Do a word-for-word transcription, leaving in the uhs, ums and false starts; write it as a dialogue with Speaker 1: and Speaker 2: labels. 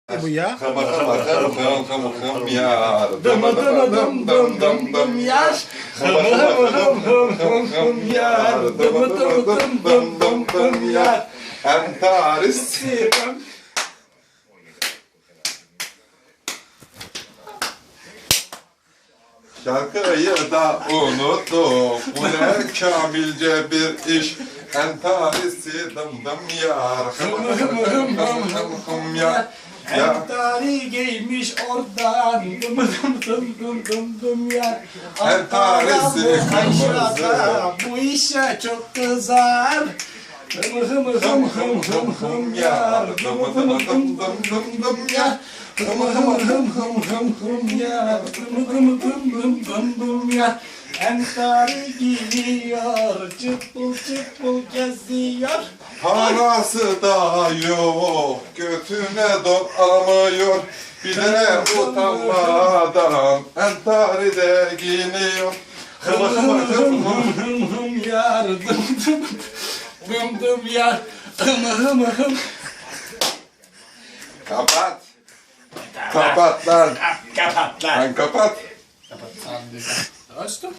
Speaker 1: Bu ya.
Speaker 2: Kama kama kama kama kama kama yar.
Speaker 3: Dıma dıma dım dım dım dım yar. Hım hım hım hım hım hım yar. Dıma dıma dım dım dım dım yar.
Speaker 2: Entaris. Şarkıyı da unuttum. Bu ne kamilce bir iş. Entarisi dım dım yar. Hım hım hım hım hım hım yar. Ya.
Speaker 3: Entari giymiş oradan. Dım dım dım dım dım dım yar.
Speaker 2: Entarisi
Speaker 3: Aşağıda bu işe çok kızar. Hım hım hım hım hım hım yar. Dım dım dım dım dım dım yar. Hım hım hım hım hım hım yar. Dım dım dım dım dım dım yar. Entari giyiyor, çıpıl çıpıl geziyor.
Speaker 2: Parası da yok, götüne don alamıyor. Bir de utanmadan entari de giyiniyor.
Speaker 3: Hım hım hım hım hım hım yar. Dım dım dım dım yar. Hım hım hım.
Speaker 2: Kapat. Kapat lan.
Speaker 3: Kapat lan.
Speaker 2: Lan kapat.
Speaker 3: Açtım.